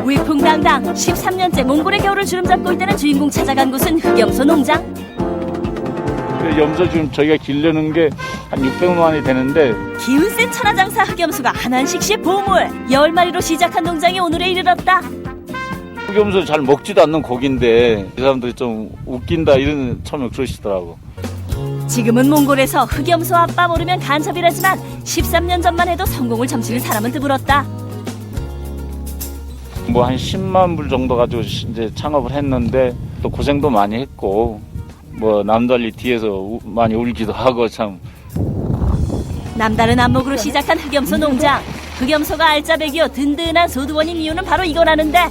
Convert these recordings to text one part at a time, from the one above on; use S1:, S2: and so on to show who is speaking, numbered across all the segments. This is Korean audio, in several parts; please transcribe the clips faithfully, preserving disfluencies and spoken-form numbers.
S1: 위풍당당 십삼 년째 몽골의 겨울을 주름잡고 있다는 주인공 찾아간 곳은 흑염소 농장.
S2: 염소 지금 저희가 기르는 게 한 육백만 원이 되는데
S1: 기운센 천하장사 흑염소가 한한식 씨의 보물. 열 마리로 시작한 농장이 오늘에 이르렀다.
S2: 흑염소 잘 먹지도 않는 고기인데 이 사람들이 좀 웃긴다 이런 처음에 그러시더라고.
S1: 지금은 몽골에서 흑염소 아빠 모르면 간첩이라지만 십삼 년 전만 해도 성공을 점치는 사람은 드물었다.
S2: 뭐 한 십만 불 정도 가지고 이제 창업을 했는데 또 고생도 많이 했고 뭐 남달리 뒤에서 우, 많이 울기도 하고 참.
S1: 남다른 안목으로 시작한 흑염소 농장. 흑염소가 알짜배기요 든든한 소두원인 이유는 바로 이거라는데.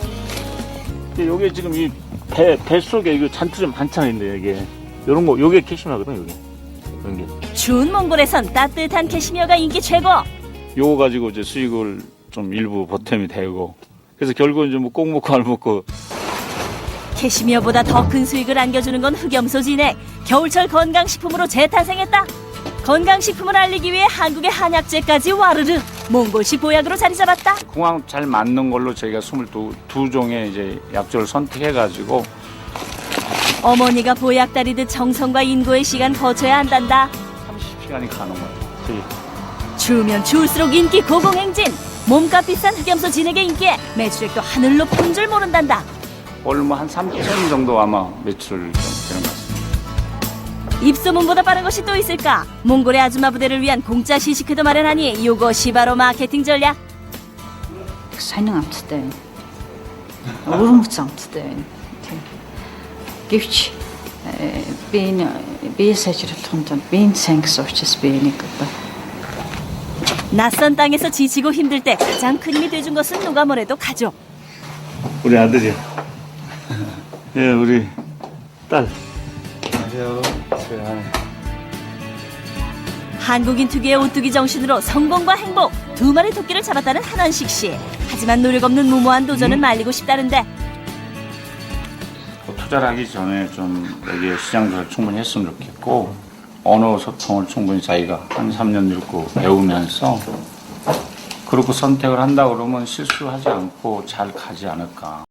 S2: 요게 지금 이 배, 배 속에 이거 잔투 좀 많잖아요, 이게. 요런 거, 요게 캐시미어거든, 요게. 이런 게.
S1: 추운 몽골에선 따뜻한 캐시미어가 인기 최고.
S2: 요거 가지고 이제 수익을 좀 일부 보탬이 되고. 그래서 결국은 이제 뭐 꼭 먹고 안 먹고.
S1: 캐시미어보다 더 큰 수익을 안겨주는 건 흑염소 진액. 겨울철 건강식품으로 재탄생했다. 건강식품을 알리기 위해 한국의 한약재까지 와르르 몽골식 보약으로 자리 잡았다.
S2: 궁합 잘 맞는 걸로 저희가 이십이 종의 이제 약조를 선택해가지고.
S1: 어머니가 보약 다리듯 정성과 인고의 시간 거쳐야 한단다.
S2: 삼십 시간이 가는 거예요. 저희.
S1: 추우면 추울수록 인기 고공행진. 몸값 비싼 흑염소 진액의 인기에 매출액도 하늘로 푼 줄 모른단다.
S2: 오늘 뭐 한 삼천 정도 아마 매출 좀 되는 것 같습니다.
S1: 입소문보다 빠른 것이 또 있을까? 몽골의 아줌마 부대를 위한 공짜 시식회도 마련하니 이것이 바로 마케팅 전략.
S3: Сонин амттай байна. Өрөмц амттай байна. Тийм. Гэвч би энэ бие сайжруулахын тулд биеийн сайн гэсэн учраас би энийг одоо
S1: 낯선 땅에서 지치고 힘들 때 가장 큰 힘이 돼준 것은 누가 뭐래도 가족.
S2: 우리 아들이요. 예, 우리 딸. 안녕하세요.
S1: 한국인 특유의 오뚜기 정신으로 성공과 행복 두 마리 토끼를 잡았다는 한한식 씨. 하지만 노력 없는 무모한 도전은
S2: 음.
S1: 말리고 싶다는데.
S2: 투자를 하기 전에 좀 여기에 시장 조사를 충분히 했으면 좋겠고 언어 소통을 충분히 자기가 한 삼 년 읽고 배우면서 그렇게 선택을 한다 그러면 실수하지 않고 잘 가지 않을까.